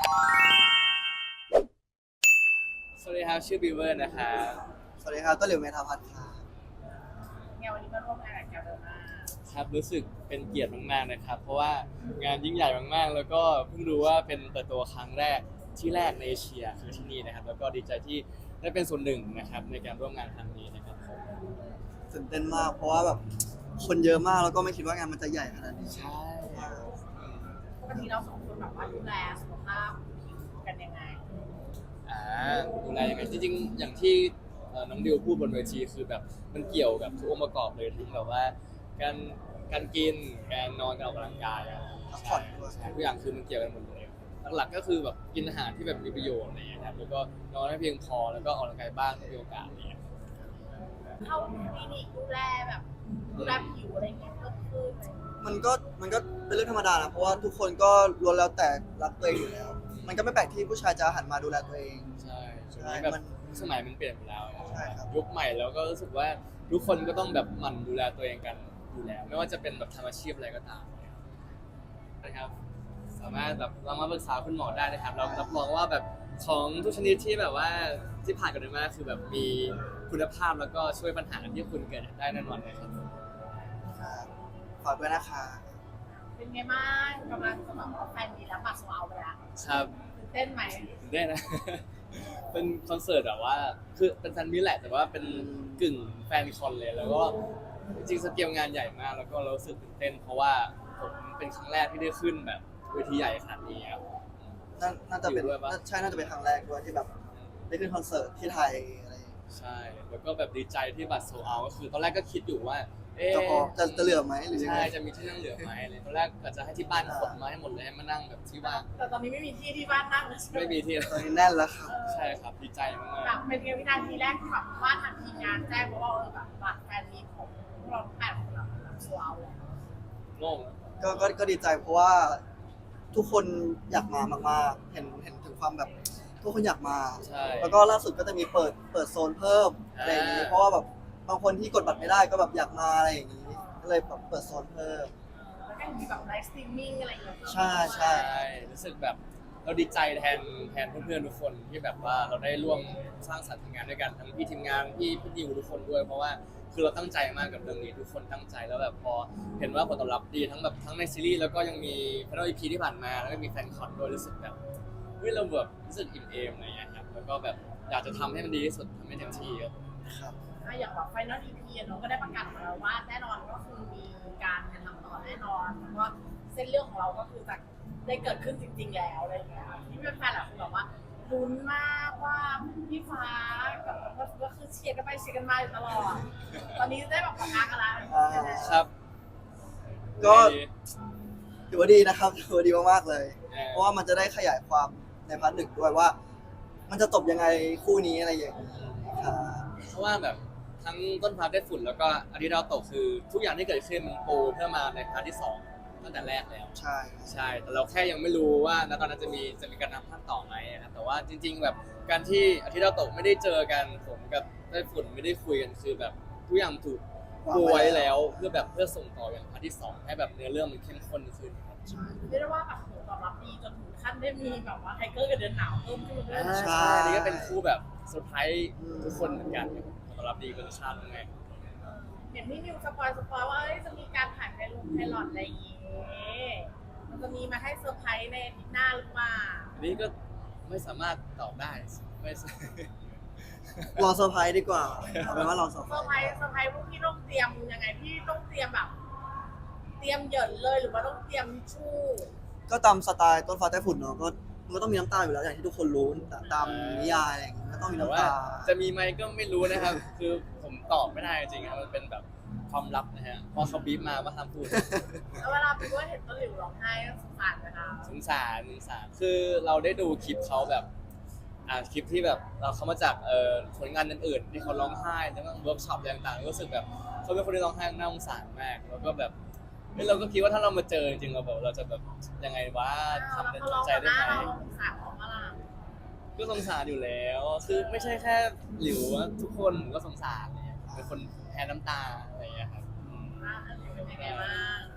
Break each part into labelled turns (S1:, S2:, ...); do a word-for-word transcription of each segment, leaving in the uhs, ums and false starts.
S1: สวัสดีครับชื่อบิวเวอร์นะครับ
S2: สวัสดีครับต้นหลิวเมธาพัฒน์ค่ะ
S3: งานวันนี้มาร่วมงานกับแกลเดอร์มา
S1: ครับรู้สึกเป็นเกียรติมากๆนะครับเพราะว่างานยิ่งใหญ่มากๆแล้วก็เพิ่งรู้ว่าเป็นเปิดตัวครั้งแรกที่แรกในเอเชียคือที่นี่นะครับแล้วก็ดีใจที่ได้เป็นส่วนหนึ่งนะครับในการร่วมงานครั้งนี้นะครับผม
S2: ตื่นเต้นมากเพราะว่าแบบคนเยอะมากแล้วก็ไม่คิดว่างานมันจะใหญ่ขนาดนี้
S1: ใช่
S3: ปกติเราสองคนแบบว่าดูแลสุขภาพกันยังไง
S1: อ่าดูแลยังไงจริงๆอย่างที่น้องดิวพูดบนเวทีคือแบบมันเกี่ยวกับทุกองค์ประกอบเลยทั้งแบบว่าการการกินการนอนการออกกำลังกาย
S2: พักผ่อนด้วย
S1: ทุกอย่างคือมันเกี่ยวกันหมดเลยหลักๆก็คือแบบกินอาหารที่แบบมีประโยชน์อะไรอย่างเงี้ยครับแล้วก็นอนให้เพียงพอแล้วก็ออกกำลังกายบ้างถ้ามีโอกาสอะไรอย่างเงี้ย
S3: เข้าคลินิกดูแลแบบดูแลผิวอะไรเงี้ยก็คือ
S2: มันก็มันก็เป็นเรื่องธรรมดานะเพราะว่าทุกคนก็ล้วนแล้วแต่รักตัวเองอยู่แล้วมันก็ไม่แปลกที่ผู้ชายจะหันมาดูแลตัวเอง
S1: ใช่ช่วงนี้แบบสมัยมันเปลี่ยนไปแล้ว
S2: ใช่ครับ
S1: ยุคใหม่แล้วก็รู้สึกว่าทุกคนก็ต้องแบบหมั่นดูแลตัวเองกันอยู่แล้วไม่ว่าจะเป็นแบบทำอาชีพอะไรก็ตามนะครับสามารถแบบเรามาปรึกษาคุณหมอได้นะครับเรารับรองว่าแบบของทุกชนิดที่แบบว่าที่ผ่านกันมาคือแบบมีคุณภาพแล้วก็ช่วยปัญหาที่คุณเกิดได้แน่นอนเลยครับ
S2: ฝากด้วยนะคะ
S3: เป็นไงบ้างกำลังจะบอกว่าแฟนมีแล้วบัตรโซเอาไปแล้ว
S1: ครับ
S3: ตื่นเต้นไหม
S1: ตื่นเต้นนะ เป็นคอนเสิร์ตแบบว่าคือเป็นแฟนมิตรแหละแต่ว่าเป็นกึ่งแฟนคอนเลยแล้วก็จริงๆสเกลงานใหญ่มากแล้วก็เรารู้สึกตื่นเต้นเพราะว่าผมเป็นครั้งแรกที่ได้ขึ้นแบบเวทีใหญ่ขนาดนี้ครับ
S2: น่าจะเป็นใช่น่าจะเป็นครั้งแรกด้วยที่แบบได้ขึ้นคอนเสิร์ตที่ไทยอะไร
S1: ใช่แล้วก็แบบดีใจที่บัตรโซเอาก็คือตอนแรกก็คิดอยู่ว่า
S2: จะพอจะจะเหลือไหมหรือ
S1: ใช่จะมีที่นั่งเหลือไหมอะไรตอนแรกก็จะให้ที่บ้านขนมาให้หมดเลยให้มานั่งแบบที่ว่าง
S3: แต่ตอนนี้ไม่มีที่ที่บ้านนั่ง
S1: ไม่มีที่
S2: ตอนนี้แน่นแล้วครับ
S1: ใช่ครับดีใจมาก
S3: แบบเป็นวินาทีแรกที่แบบบ้านทางทีมงานแจ้งว่าเออแบบบัตรแฟนมีของเราแปดคนแบบโซเอาแล้ว
S1: งง
S2: ก็ก็ก็ดีใจเพราะว่าทุกคนอยากมามากๆเห็นเห็นถึงความแบบทุกคนอยากมาแล้วก็ล่าสุดก็จะมีเปิดเปิดโซนเพิ่มอะไรอย่างนี้เพราะว่าแบบบางคนที่กดบัตรไม่ได้ก็แบบอยากมาอะไรอย่างนี้ก็เลยแบบเปิดโซนเพิ่ม
S3: แล้วก็มีแบบไลฟ์สตรีมมิ่งอะไรอย่างเงี้ย
S2: ใช่ใช่
S1: รู้สึกแบบเราดีใจแทนแทนเพื่อนๆทุกคนที่แบบว่าเราได้ร่วมสร้างสรรค์งานด้วยกันทั้งพี่ทีมงานพี่พี่ดิวทุกคนด้วยเพราะว่าคือเราตั้งใจมากกับเรื่องนี้ทุกคนตั้งใจแล้วแบบพอเห็นว่าผลตอบรับดีทั้งแบบทั้งในซีรีส์แล้วก็ยังมีแฟนอีพีที่ผ่านมาแล้วก็มีแฟนคอนด้วยรู้สึกแบบเฮ้ยเราแบบรู้สึกอิ่มเอมอะไรอย่างเงี้ยครับแล้วก็แบบอยากจะทำให้มันดีที่สุดทำให้เต็มที่
S2: ครับ
S3: อย่างแบบไฟนอล อี พี เนาะก็ได้ประกาศมาแล้วว่าแน่นอนก็คือมีการทำต่อแน่นอนแล้วก็เส้นเรื่องของเราก็คือจะได้เกิดขึ้นจริงๆแล้วอะไรอย่างเงี้ยที่เป็นแฟนหลายคนบอกว่าลุ้นมากว่าพี่ฟ้ากับก็คือเชียร์กันไปเชียร์กันมาอยู่ตลอดตอนนี้ได้แบบประกาศกันแล้ว
S1: ครับ
S2: ก็ถือว่าดีนะครับถือว่าดีมากๆเลยเพราะว่ามันจะได้ขยายความในพาร์ทหนึ่งด้วยว่ามันจะจบยังไงคู่นี้อะไรอย่างนี้ครับ
S1: เพราะว่าแบบทั้งต้นพาร์ทได้ฝุ่นแล้วก็อาทิตย์ดาวตกคือทุกอย่างที่เกิดขึ้นมันปูเพื่อมาในพาร์ทที่สองตั้งแต่แรกแล้ว
S2: ใช่
S1: ใช่แต่เราแค่ยังไม่รู้ว่าณตอนนั้นจะมีจะมีการทำภาคต่อไหมครับแต่ว่าจริงๆแบบการที่อาทิตย์ดาวตกไม่ได้เจอกันผมกับได้ฝุ่นไม่ได้คุยกันคือแบบทุกอย่างถูกปูไว้แล้วเพื่อแบบเพื่อส่งต่ออย่างพาร์ทที่สองให้แบบเนื้อเรื่องมันเข้มข้นขึ้น
S3: เรียกได้ว่าแบบผลตอบรับดีจนถึงขั้นได้มีแบบว่าไทเกอร์กับเดือนหนาวเพิ่มขึ้นด้วย
S1: ใช่นี่ก็เป็นคู่แบบเซอร์ไพรส์ทุกคนเหมือนกันผลตอบรับดีเกินคาดมาก
S3: เห็นพี่นิวสปอยสปอยว่าจะมีการถ่ายไพลงไพลอตอะไรอย่างงี้มันจะมีมาให้เซอร์ไพรส์ในอาทิตย์หน้าหรือเปล่า
S1: อันนี้ก็ไม่สามารถตอบได้ไม่
S2: รอเซอร์ไพรส์ดีกว่าเอาเป็นว่ารอเซอร์ไพรส์
S3: เซอร์ไพรส์เซอร์ไพรส์พวกพี่ต้องเตรียมยังไงพี่ต้องเตรียมแบบเตรียมเหยินเลยหรือว่าต้องเตรียมชู่
S2: ก็ตามสไตล์ต้นฟ้าใต้ฝุ่นเนาะก็มันก็ต้องมีน้ำตาอยู่แล้วอย่างที่ทุกคนรู้ตามนิยายอะไรอย่างเงี้ยก็ต้องมีน้ำตา
S1: จะมีไหมก็ไม่รู้นะครับคือผมตอบไม่ได้จริงๆครับมันเป็นแบบความลับนะฮะพอเขาบีบมาว่าห้ามพูด
S3: แล้วเวลาพี่ว่าเห็นต้นหลิวร้องไห้สงสารไหมคะ
S1: สงสารสงสารคือเราได้ดูคลิปเขาแบบอ่าคลิปที่แบบเราเขามาจากเอ่อผลงานอื่นๆที่เขาร้องไห้แล้วก็เวิร์กช็อปต่างๆรู้สึกแบบเขาเป็นคนที่ร้องไห้น่าสงสารมากแล้วก็แบบเราก็คิดว่าถ้าเรามาเจอจริงๆเราแบบเราจะแบบยังไงวะทำใจได้ไหมก็สงสารอยู่แล้วคือไม่ใช่แค่หลิวทุกคนก็สงสารเนี่ยเป็นคนแพ้น้ำตาอะไรอย่างเงี้ยครับ
S3: เป็นยังไงบ้าง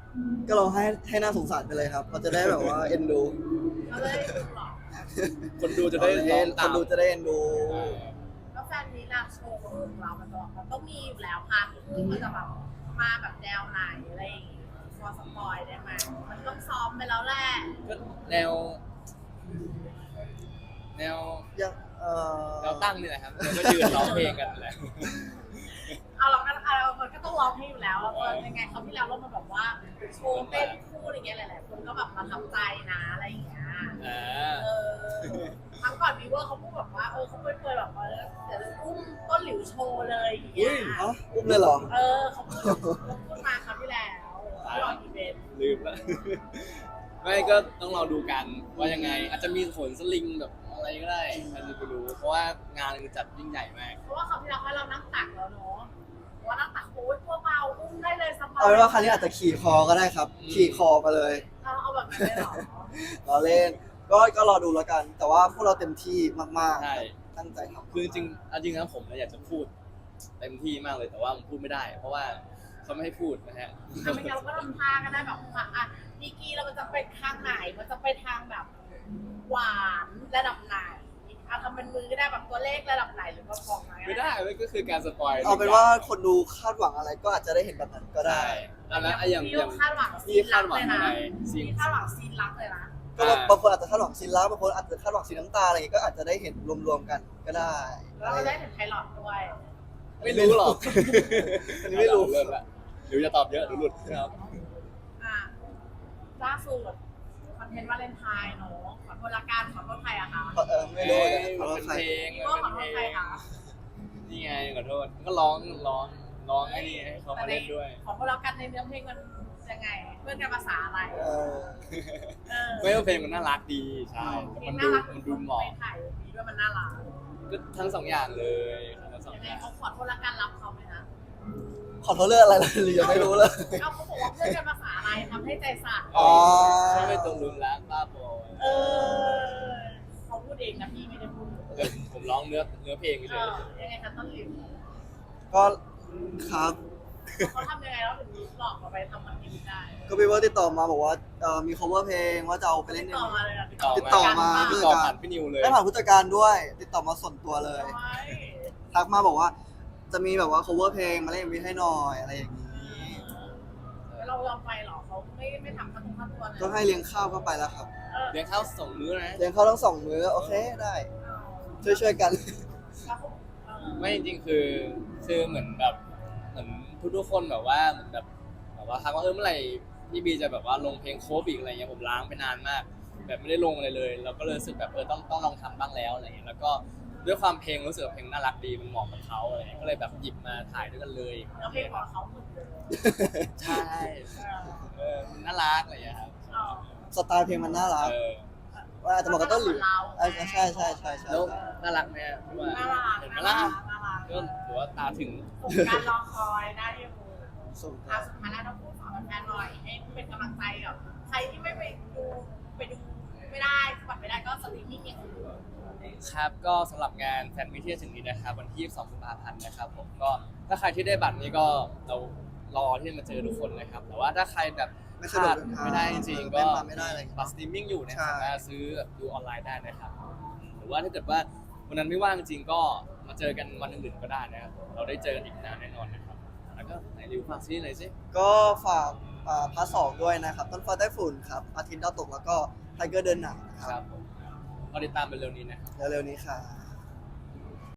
S2: ก็เราให้ให้น่าสงสารไปเลยครับเราจะได้แบบว่าเอ็นดู
S3: เราเลยดูหรอ
S1: คนดูจะได้ร้อง
S2: ค
S1: ตาม
S2: นดูจะได้เอ็นดู
S3: แล้วแฟนนี้ล่ะโชว์ของเรามันต้องมันต้องมีอยู่แล้วพาร์ทที่มันจะแบบมาแบบแนวไหนอะไรอย่างงี้พอสปอยได้ไหมมันต้องซ้อมไปแล้วแหละ
S1: ก็แนว แนว
S2: ยังเอ่อ
S1: แนวตั้งนี่แหละครับแล้วก็ยืนร้องเพลงกันแหละ
S3: เอาเราก็เอามันก็ต้องร้องให้อยู่แล้วแล้วก็ยังไงเขาวที่แล้วเรามาแบบว่าโชว์เต้นคู่อะไรเงี้ยหลายๆคนก็แบบประทับใจนะอะไรอย่างเงี้ย
S1: อ่า
S3: เออครั้งก่อนวีเวอร์เขาพูดแบบว่าเออเขาเคยแบบว่าเดี๋ยวจะอุ้มต้นหลิวโชว์เลยอย่างเงี้ย
S2: เอ้าอุ้มเลยเหรอ
S3: เออเขาพูดเขาพูดมาครั้งที่แล้วเขารออีเวนต์
S1: ลืมแล้ว ไม่ก็ต้องรอดูกันว่ายังไง อาจจะมีขนสลิงแบบอะไรก็ได้ใครจะไปรู้ เพราะว่างานมันจัดยิ่งใหญ่มาก
S3: เพราะว่าคราวที่แล้วให้เรานั่งตักแล้วเนาะว่านั่งตักโอ้ยตัวเบาอุ้มได้เลยสบาย
S2: เอาเป็นว่าครั้งนี้อาจจะขี่คอก็ได้ครับ ขี่คอไปเลย
S3: เราเอาแบบนั้นเลยเหรอ
S2: รอเล่น ก็ก็รอดูแล้วกัน แต่ว่าพวกเราเต็มที่มาก
S1: ใช่
S2: ๆ ตั้งใจทำ
S1: คือจริงๆเอาจริงนะผมเนี่ยอยากจะพูดเต็มที่มากเลยแต่ว่าผมพูดไม่ได้ เพราะว่าเขาไม่ให้พูดนะฮะ
S3: ทำไมเราก็ทำทางกันได้แบบว่าอ่ะดีกรีเรามันจะไปทางไหน มันจะไปทางแบบหวานระดับไหนอ่ะทำเป็นมือก็ได้แบบตัวเลขระดับไหนหรือว่าฟองไหน
S1: ไม่ได้มันก็คือการสปอย
S2: เอาเป็นว่าคนดูคาดหวังอะไรก็อาจจะได้เห็นแบบนั้นก็ได้
S1: ได้อันนั้นอะอย่าง
S3: ที่
S1: อย่าง
S3: คาดหวังซี
S1: ที่
S3: น
S1: คา
S3: รั
S1: ด
S3: ก
S1: หวั
S3: เล
S1: ง
S3: ย
S1: อะ
S3: นะ
S1: ไรซีน
S3: ที่คาดหวังซีนรักเลยนะ
S2: ก็แบบบางคนอาจจะคาดหวังซีนลับบางคนอาจจะคาดหวังซีนน้ำตาอะไรอย่างงี้ก็อาจจะได้เห็นรวมๆกันก็ได้
S3: แล้วเราได้ถึงไพลอตด้วย
S1: ไม่รู้หรอก
S2: อันนี้ไม่รู้
S1: เริ่มละเดี๋ยวจะตอบเยอะเดี๋ยวหลุดครับ
S3: อ่ะล่าสุดคอนเทนต์วาเลนไทน์เนาะขอโทษละกันขอโทษใครอะคะ
S2: เออไม่รู้เหมือนกันขอโทษ
S1: เป็น
S2: ใคร
S1: เพลง
S3: พี่โก้ขอโทษใครคะ
S1: นี่ไงขอโทษก็ร้องร้องร้องไอ้นี่ให้เขามาเล่นด้วย
S3: ขอโทษละกันในเนื้อเพลงมันยังไงเพื่อนกันภาษาอะไร
S2: เออ
S3: เออ
S1: ไม่ว่าเพลงมันน่ารักดีใช่แต่
S3: เพล
S1: มั
S3: ง
S1: น
S3: น่า
S1: ดู
S3: รัก
S1: มันดูเหมาะ
S3: ไปถ่ายมีด้วยมันน่ารัก
S1: ก็ทั้งสองอย่างเลยทั้งสอง
S3: ยัง
S1: อ
S3: ไง
S1: ย่าง
S3: เขาขอโทษละกันรับเขาไหมนะ
S2: ขอโทษเรื่องอะไรเลยหรือยังไม่รู้เลย
S3: เอาเขาบอกว่าเพื่อนกันภาษาอะไรทำให้ใจสั่น
S2: อ๋อ
S1: ใช่ไม่ตรงรุนแรงบ้าบอ
S3: เออเขาพูดเองนะพี่ไม่ได้พูด
S1: เออผมร้องเนื้อเนื้อเพลง
S3: เอ
S1: เฉย
S3: อยังไงคะต้นหลิว
S2: ก็ครับ
S3: เขาทำยังไงแล้วถึงหลอกเราไปทำมันนี้ได้
S2: ก็พี่เวิร์ดติดต่อมาบอกว่าเอ่อมี cover เพลงว่าจะเอาไปเล่นใน
S3: ต่อมาเลยนะ
S1: ติดต่อ
S2: ติดต่อมา
S1: ติดต่อผ่านพี่นิวเลย
S2: ได้ผ่านผู้จัดการด้วย ติดต่อมาส่วนตัวเลย ทักมาบอกว่าจะมีแบบว่า cover เพลงมาเล่น เอ็ม วี ให้หน่อยอะไรอย่างนี้
S3: แล้วเรายอมไปเหรอเขาไม่ไม่ทำขั้นตอนขั้นตอนเลย
S2: ก็ให้เลี้ยงข้าวก็ไปแล้วครับ
S3: เออ
S1: เลี้ยงข้าวสองมื้อนะ
S2: เลี้ยงข้าวทั้งสองมื้อโอเคได้ ช่วยช่วยๆกัน
S3: แล้วเขาเออ
S1: ไม่จริงๆคือคือเหมือนแบบเหมือนทุกๆคนแบบว่าเหมือนแบบแบบว่าทักว่าเออเมื่อไหร่พี่บีจะแบบว่าลงเพลงโคฟอีกอะไรเงี้ยผมล้างไปนานมาก แบบไม่ได้ลงอะไรเลย เราก็เลยรู้สึกแบบเออต้องต้องลองทำบ้างแล้วอะไรเงี้ยแล้วก็ด้วยความเพลงรู้สึกว่าเพลงน่ารักดีมันเหมาะกับเขาอะไรเงี้ยก็เลยแบบหยิบมาถ่ายด้วยกันเลย
S3: แล้วเพลงของเขาหมดเลย
S1: ใช่เออมันน่ารักอะไรเงี้ยครับ
S3: เออ
S2: สไตล์เพลงมันน่ารัก
S1: เออ
S2: ว่าอาจจะเหมาะกับต้นหลิวอ่ะใช่ใช่ใช่ใช่
S1: แล้วน่ารักไหมอะพี่ว่า
S3: น่ารัก
S1: เห็นไหม
S3: น่า
S1: ล่ะ
S3: รักน่ารัก
S1: ก็ถือว่าตาถึง
S3: ผมการรอคอยได้ที่มู
S2: ส่ง
S3: อ่ะสุดท้ายแล้วต้องพูดขอแฟนๆหน่อยให้เป็นกำลังใจกับใครที่ไม่ไปดูไปดูไม่ได้บัตรไม่ได้ก็สตรีมมิ่งอย่างอื่น
S1: ครับก็สำหรับงานแฟนมิตรที่จะถึงนี้นะครับวันที่ยี่สิบสองกุมภาพันธ์นะครับผมก็ถ้าใครที่ได้บัตรนี้ก็เรารอที่จะมาเจอทุกคนนะครับแต่ว่าถ้าใครแบบ
S2: ไม่
S1: พ
S2: สะดว
S1: ลาก ด
S2: เดินทาง
S1: ไม่ได้จริงๆก็
S2: เล่นมาไม่ได้อะไรอย่างเงี้ย
S1: บัตรสตรีมมิ่งอยู่นะค
S2: ใช่
S1: รับสามารถซื้อแบบดูออนไลน์ได้นะครับหรือว่าถ้าเกิดว่าวันนั้นไม่ว่างจริงๆก็มาเจอกันวันอื่นๆก็ได้นะครับเราได้เจอกันอีกนานแน่นอนนะครับแล้วก็ไหนริวฝากซีหน่อยสิ
S2: ก็ฝากอ่าพาร์ทสองด้วยนะครับ ต้นฟ้าใต้ฝุ่นครับอาทิตย์ดาวตกแล้วก็ไทเกอร์เดินหนังนะค
S1: ครั
S2: รั
S1: บบ ผมก็ติดตามไปเร็วนี้นะครับ
S2: เร็วๆนี้ค่ะ